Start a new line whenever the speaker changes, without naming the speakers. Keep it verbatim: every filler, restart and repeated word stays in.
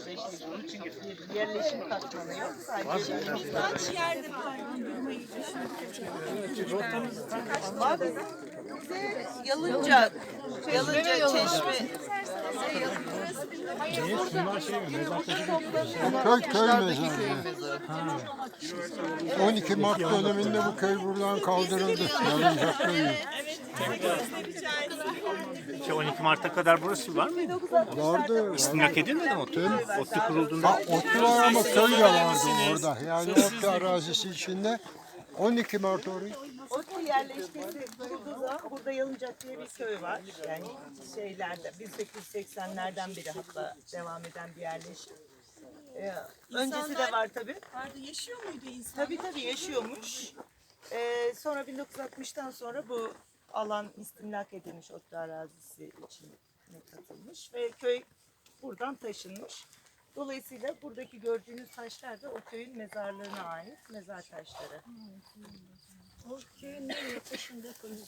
yerleşti. Çünkü bir yerleşim katmanı yok. Sadece
Kaç yerde durmayı
var. Yalınca, Yalınca Çeşme.
Köy köy mezarı. on iki Mart döneminde bu köy buradan kaldırıldı. Yalınca köyü.
Peki on iki Mart'a kadar burası var mıydı?
Vardı.
İstimlak edilmedi mi ODTÜ? ODTÜ kurulduğunda
Ha, otlu var ama köy de vardı orada. Yani otlu arazisi içinde. on iki Mart orayı.
Otlu yerleşkesi kurulduğu zaman burada Yalıncak diye bir köy var. Yani şeylerde bin sekiz yüz seksenlerden beri hatta devam eden bir yerleşim. Ee, öncesi de var tabii.
vardı? Yaşıyor muydu insan?
Tabii tabii yaşıyormuş. Ee, sonra bin dokuz yüz altmıştan sonra bu alan istimlak edilmiş, otlu arazisi için katılmış ve köy buradan taşınmış. Dolayısıyla buradaki gördüğünüz taşlar da o köyün mezarlığına ait mezar taşları.
O köyün nereye taşındığı